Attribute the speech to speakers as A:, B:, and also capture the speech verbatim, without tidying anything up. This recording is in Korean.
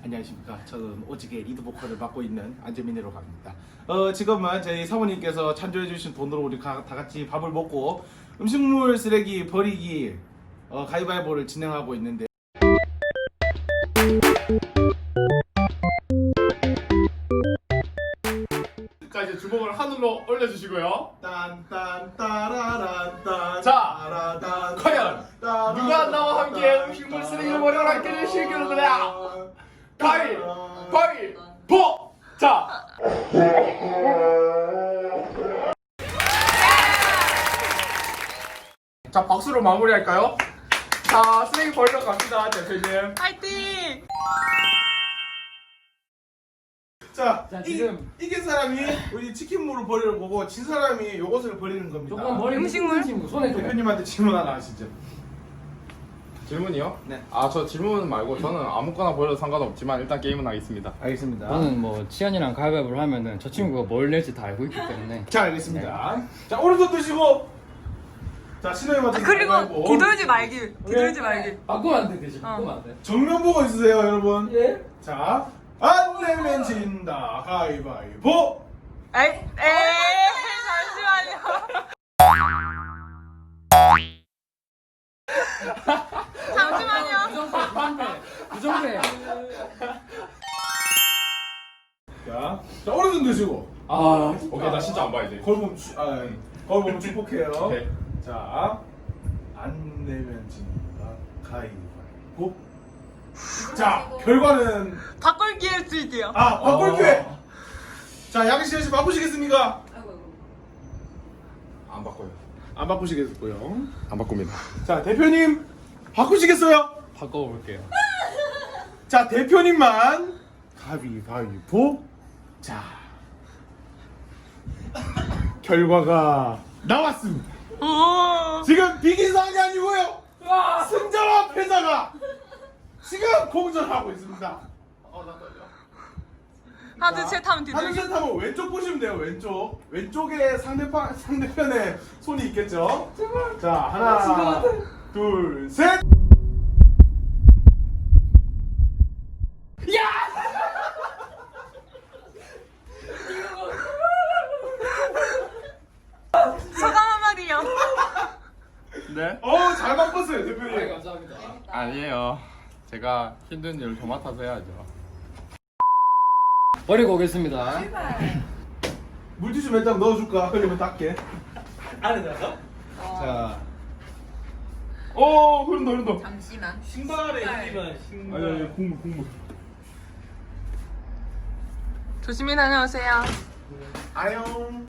A: 안녕하십니까. 저는 오직의 리드 보컬을 맡고 있는 안재민이라고 합니다. 어, 지금은 저희 사모님께서 찬조해주신 돈으로 우리 가, 다 같이 밥을 먹고 음식물 쓰레기 버리기 어, 가위바위보를 진행하고 있는데
B: 자, 이제 주먹을 하늘로 올려주시고요.
A: 딴딴따라란딴
B: 자, 과연 누가 나와 함께 음식물 쓰레기를 버리러 함께 되실 거냐? 가위, 바위, 보! 자! 자, 박수로 마무리할까요? 자, 쓰레기 버리러 갑시다, 대표님.
C: 파이팅!
A: 자,
D: 자,
A: 이,
D: 지금-
A: 이긴 사람이 우리 치킨물을 버리는 거고 진 사람이 요것을 버리는 겁니다.
D: 조금 머리
C: 음식물?
D: 친구 손에 좀
A: 대표님한테 질문 하나 하시죠.
B: 질문이요?
A: 네.
B: 아, 저 질문 말고 저는 아무거나 버려도 상관없지만 일단 게임은 하겠습니다.
A: 알겠습니다.
D: 저는 뭐 치안이랑 가위바위보를 하면은 저 친구가 뭘 낼지 다 알고 있기 때문에
A: 자, 알겠습니다. 자, 오른손 드시고 자, 신호에 맞춰서
C: 그리고
A: 가위바위보.
C: 뒤돌지 말기. 뒤돌지 말기.
D: 바꾸면 안 돼, 대신 바꾸면 안 돼.
A: 정면 보고 있으세요, 여러분.
D: 예?
A: 자, 안 내면 진다. 가위바위보.
C: 에이, 에이, 잠시만요. 잠시만요.
D: 부정패, 부정패.
A: 자, 자, 오른손 드시고.
D: 아,
B: 오케이, 나 진짜 안 봐, 이제.
A: 거울 보면 주, 아, 거울 보면 축복해요.
B: 오케이.
A: 자, 안 내면 진다. 가위바위보. 자, 결과는
C: 바꿀 기회 드릴게요.
A: 아, 바꿀 기회. 자, 양씨 씨 바꾸시겠습니까?
B: 안 바꿔요.
A: 안 바꾸시겠고요.
B: 안 바꿉니다.
A: 자, 대표님 바꾸시겠어요?
D: 바꿔볼게요.
A: 자, 대표님만 가위바위보. 자, 결과가 나왔습니다.
C: 오.
A: 지금 비기상이 아니고요. 승자와 패자가 지금 공전하고 있습니다. 어, 나 떨려.
C: 하나, 둘, 셋 하면
A: 하나,
C: 뒤돌기.
A: 둘, 셋 하면 왼쪽 보시면 돼요. 왼쪽. 왼쪽에 상대편 상대편에 손이 있겠죠. 자, 하나, 둘, 셋.
C: 소감 한마디요.
B: 네?
A: 어, 잘 바꿨어요, 대표님.
D: 감사합니다.
B: 아니에요. 제가 힘든 일을 저 맡아서 해야죠.
D: 버리고 오겠습니다.
A: 물티슈 몇 장 넣어줄까? 흘리면 닦게.
D: 안에 들어서?
A: 자. 오, 흐른다, 흐른다.
C: 잠시만.
D: 신발에 힘이면
A: 아니,
D: 신발.
A: 아니, 국물, 국물.
C: 조심히 다녀오세요.
A: 아용.